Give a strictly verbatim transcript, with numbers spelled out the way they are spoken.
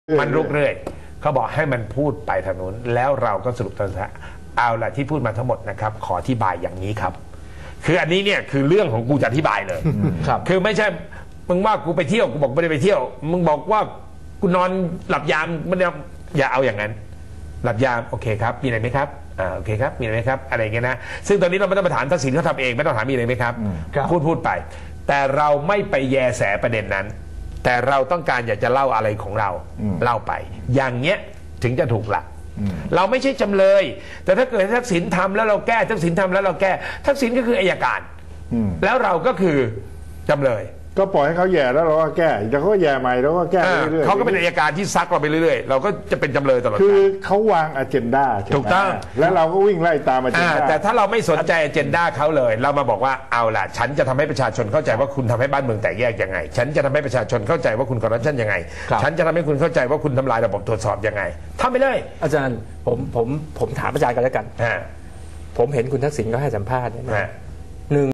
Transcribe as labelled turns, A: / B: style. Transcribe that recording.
A: มันลุกเรื่อยเขาบอกให้มันพูดไปทางนู้นแล้วเราก็สรุปตอนสุดท้ายเอาละที่พูดมาทั้งหมดนะครับขออธิบายอย่างนี้ครับคืออันนี้เนี่ยคือเรื่องของกูจะอธิบายเลยครับคือไม่ใช่มึงว่ากูไปเที่ยวกูบอกไม่ได้ไปเที่ยวมึงบอกว่ากูนอนหลับยามมันอย่าเอาอย่างนั้นหลับยามโอเคครับมีอะไรไหมครับอ่าโอเคครับมีอะไรไหมครับอะไรอย่างเงี้ยนะซึ่งตอนนี้เราไม่ต้องมาถามทักษิณเขาทำเองไม่ต้องถามมีอะไรไหมครับพูดพูดไปแต่เราไม่ไปแยแสประเด็นนั้นแต่เราต้องการอยากจะเล่าอะไรของเราเล่าไปอย่างเงี้ยถึงจะถูกหลักเราไม่ใช่จำเลยแต่ถ้าเกิดทักษิณทำแล้วเราแก้ทักษิณทำแล้วเราแก้ทักษิณก็คืออัยการแล้วเราก็คือจำเลย
B: ก็ปล่อยให้เขาแย่แล้วเราก็แก้แล้วเขาก็แย่ใหม่แล้วก็แก้เรื่อยๆ
A: เขาก็เป็นอัยการที่ซักเราไปเรื่อยๆเราก็จะเป็นจำเลยตลอด
B: คือเขาวางอเจนดา
A: ถูกต้อง
B: แล้วเราก็วิ่งไล่ตามอเจนดา
A: แต่ถ้าเราไม่สนใจอเจนดาเขาเลยเรามาบอกว่าเอาล่ะฉันจะทำให้ประชาชนเข้าใจว่าคุณทำให้บ้านเมืองแตกแยกยังไงฉันจะทำให้ประชาชนเข้าใจว่าคุณคอร์รัปชันยังไงฉันจะทำให้คุณเข้าใจว่าคุณทำลายระบบตรวจสอบยังไงทำไปเลย
C: อาจารย์ผมผมผมถามอาจารย์กันแล้วกันผมเห็นคุณทักษิณก็ให้สัมภาษณ์นะ